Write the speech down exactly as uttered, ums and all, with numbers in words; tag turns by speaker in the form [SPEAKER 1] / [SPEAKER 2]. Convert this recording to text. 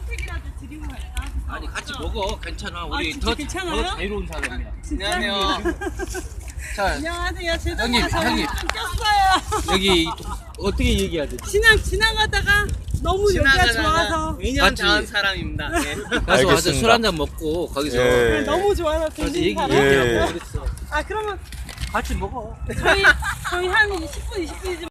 [SPEAKER 1] 혜택이라도 드리고 갈까?
[SPEAKER 2] 아니 같이 먹어. 괜찮아. 우리
[SPEAKER 1] 진짜
[SPEAKER 2] 더,
[SPEAKER 1] 괜찮아요?
[SPEAKER 2] 더 자유로운 사람이야.
[SPEAKER 3] 안녕하세요.
[SPEAKER 2] 자,
[SPEAKER 1] 안녕하세요. 제
[SPEAKER 2] 형님,
[SPEAKER 1] 동네가
[SPEAKER 2] 형님.
[SPEAKER 1] 좀 꼈어요.
[SPEAKER 2] 여기 어떻게 얘기해야 되지?
[SPEAKER 1] 지나 지나가다가 너무 여기가 좋아서
[SPEAKER 3] 이 년
[SPEAKER 2] 같이.
[SPEAKER 3] 자은 사람입니다. 예.
[SPEAKER 2] 가서 와서
[SPEAKER 4] 알겠습니다.
[SPEAKER 2] 술 한잔 먹고 거기서
[SPEAKER 4] 예.
[SPEAKER 1] 너무 좋아서
[SPEAKER 2] 가서
[SPEAKER 1] 들린
[SPEAKER 2] 얘기
[SPEAKER 1] 사람.
[SPEAKER 4] 예.
[SPEAKER 2] 얘기하고 그랬어.
[SPEAKER 1] 아 그러면
[SPEAKER 2] 같이 먹어.
[SPEAKER 1] 저희 저희 한 십 분 이십 분이지.